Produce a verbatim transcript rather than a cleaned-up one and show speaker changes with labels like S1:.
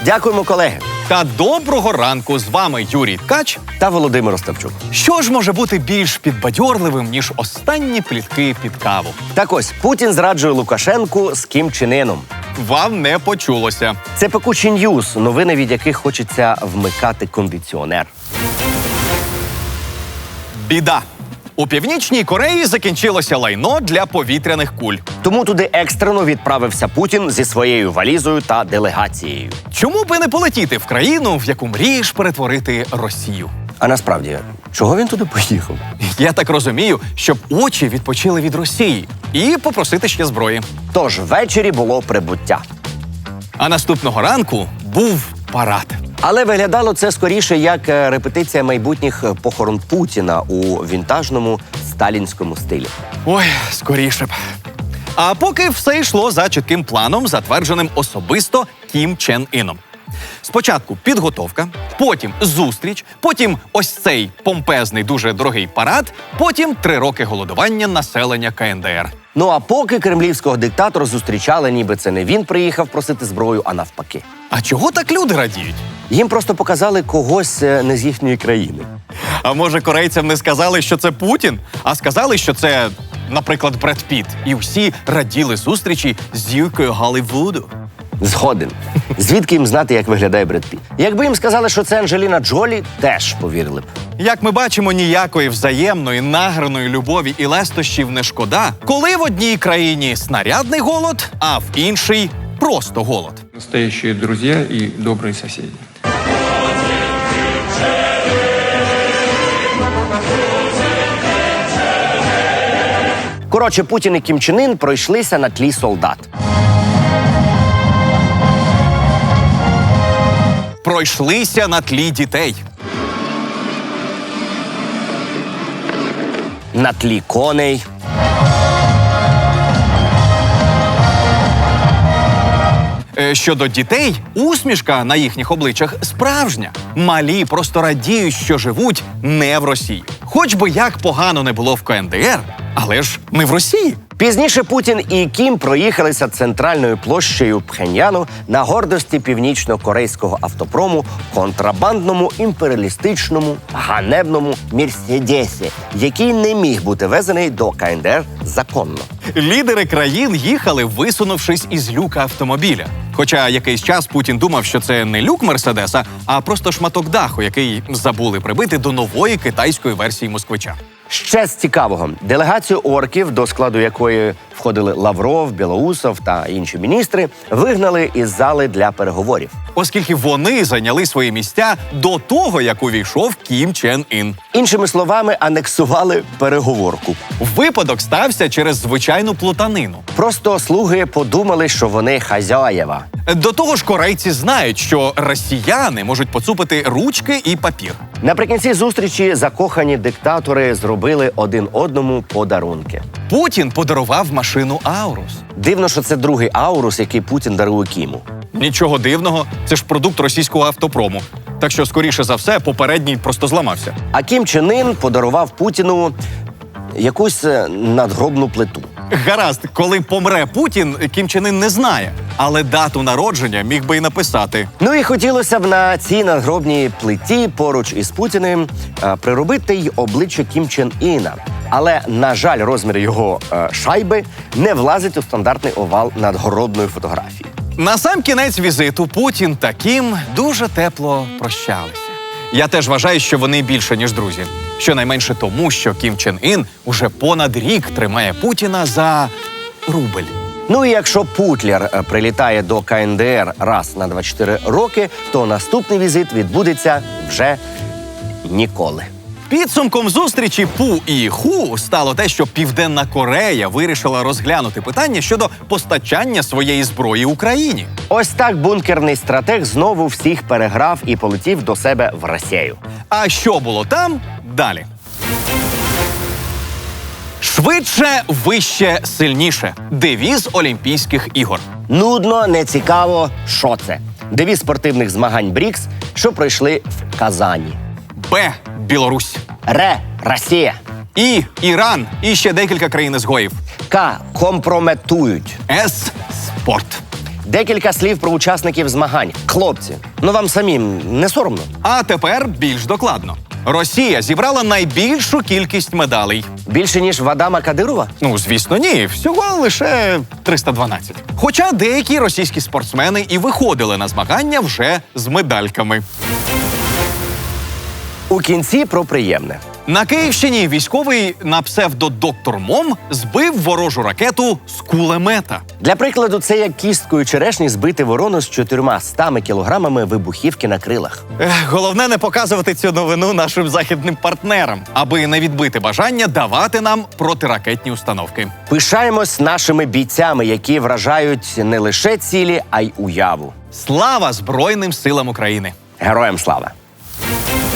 S1: Дякуємо, колеги.
S2: Та доброго ранку! З вами Юрій Ткач
S1: та Володимир Остапчук.
S2: Що ж може бути більш підбадьорливим, ніж останні плітки під каву?
S1: Так ось, Путін зраджує Лукашенку з Кім Чен Іном.
S2: Вам не почулося.
S1: Це пекучі ньюс, новини, від яких хочеться вмикати кондиціонер.
S2: Біда. У Північній Кореї закінчилося лайно для повітряних куль.
S1: Тому туди екстрено відправився Путін зі своєю валізою та делегацією.
S2: Чому би не полетіти в країну, в яку мрієш перетворити Росію?
S1: А насправді, чого він туди поїхав?
S2: Я так розумію, щоб очі відпочили від Росії і попросити ще зброї.
S1: Тож ввечері було прибуття.
S2: А наступного ранку був парад.
S1: Але виглядало це скоріше як репетиція майбутніх похорон Путіна у вінтажному сталінському стилі.
S2: Ой, скоріше б. А поки все йшло за чітким планом, затвердженим особисто Кім Чен Іном. Спочатку підготовка, потім зустріч, потім ось цей помпезний, дуже дорогий парад, потім три роки голодування населення ка ен де ер.
S1: Ну а поки кремлівського диктатора зустрічали, ніби це не він приїхав просити зброю, а навпаки.
S2: А чого так люди радіють?
S1: Їм просто показали когось не з їхньої країни.
S2: А може, корейцям не сказали, що це Путін, а сказали, що це, наприклад, Бред Піт. І всі раділи зустрічі з зіркою Голлівуду.
S1: Згоден. Звідки їм знати, як виглядає Бред Піт? Якби їм сказали, що це Анджеліна Джолі, теж повірили б.
S2: Як ми бачимо, ніякої взаємної, награної любові і лестощів не шкода, коли в одній країні снарядний голод, а в іншій просто голод.
S3: Настоящие друзья и добрые соседи.
S1: Коротше, Путін і Кім Чен Ін пройшлися на тлі солдат.
S2: Пройшлися на тлі дітей.
S1: На тлі коней.
S2: Е, Щодо дітей, усмішка на їхніх обличчях справжня. Малі просто радіють, що живуть не в Росії. Хоч би як погано не було в ка ен де ер, але ж не в Росії.
S1: Пізніше Путін і Кім проїхалися центральною площею Пхеньяну на гордості північно-корейського автопрому, контрабандному, імперіалістичному, ганебному Мерседесі, який не міг бути везений до ка ен де ер законно.
S2: Лідери країн їхали, висунувшись із люка автомобіля. Хоча якийсь час Путін думав, що це не люк Мерседеса, а просто шматок даху, який забули прибити до нової китайської версії москвича.
S1: Ще з цікавого, делегацію орків, до складу якої входили Лавров, Білоусов та інші міністри, вигнали із зали для переговорів.
S2: Оскільки вони зайняли свої місця до того, як увійшов Кім Чен Ін.
S1: Іншими словами, анексували переговорку.
S2: Випадок стався через звичайну плутанину.
S1: Просто слуги подумали, що вони хазяєва.
S2: До того ж, корейці знають, що росіяни можуть поцупити ручки і папір.
S1: Наприкінці зустрічі закохані диктатори зробили один одному подарунки.
S2: Путін подарував машину Аурус.
S1: Дивно, що це другий Аурус, який Путін дарує Кіму.
S2: Нічого дивного, це ж продукт російського автопрому. Так що, скоріше за все, попередній просто зламався.
S1: А Кім Чен Ін подарував Путіну якусь надгробну плиту.
S2: Гаразд, коли помре Путін, Кім Чен Ін не знає. Але дату народження міг би й написати.
S1: Ну і хотілося б на цій надгробній плиті поруч із Путіним е, приробити й обличчя Кім Чен Іна. Але, на жаль, розмір його е, шайби не влазить у стандартний овал надгробної фотографії.
S2: На сам кінець візиту Путін та Кім дуже тепло прощалися. Я теж вважаю, що вони більше, ніж друзі. Щонайменше тому, що Кім Чен Ін уже понад рік тримає Путіна за рубль.
S1: Ну і якщо Путлер прилітає до ка ен де ер раз на двадцять чотири роки, то наступний візит відбудеться вже ніколи.
S2: Підсумком зустрічі Пу і Ху стало те, що Південна Корея вирішила розглянути питання щодо постачання своєї зброї Україні.
S1: Ось так бункерний стратег знову всіх переграв і полетів до себе в Росію.
S2: А що було там? Далі. Швидше, вище, сильніше. Девіз Олімпійських ігор.
S1: Нудно, нецікаво, що це? Девіз спортивних змагань БРІКС, що пройшли в Казані.
S2: Б. Білорусь.
S1: Р. Росія.
S2: І. Іран. І ще декілька країн-ізгоїв.
S1: К. Компрометують.
S2: С. Спорт.
S1: Декілька слів про учасників змагань. Хлопці, ну вам самим не соромно?
S2: А тепер більш докладно. Росія зібрала найбільшу кількість медалей.
S1: Більше, ніж в Адама Кадирова?
S2: Ну, звісно, ні. Всього лише триста дванадцять. Хоча деякі російські спортсмени і виходили на змагання вже з медальками.
S1: У кінці про приємне.
S2: На Київщині військовий на псевдо «Доктор Мом» збив ворожу ракету з кулемета.
S1: Для прикладу, це як кісткою черешні збити ворону з чотирма стами кілограмами вибухівки на крилах.
S2: Ех, головне не показувати цю новину нашим західним партнерам, аби не відбити бажання давати нам протиракетні установки.
S1: Пишаємось нашими бійцями, які вражають не лише цілі, а й уяву.
S2: Слава Збройним силам України!
S1: Героям слава!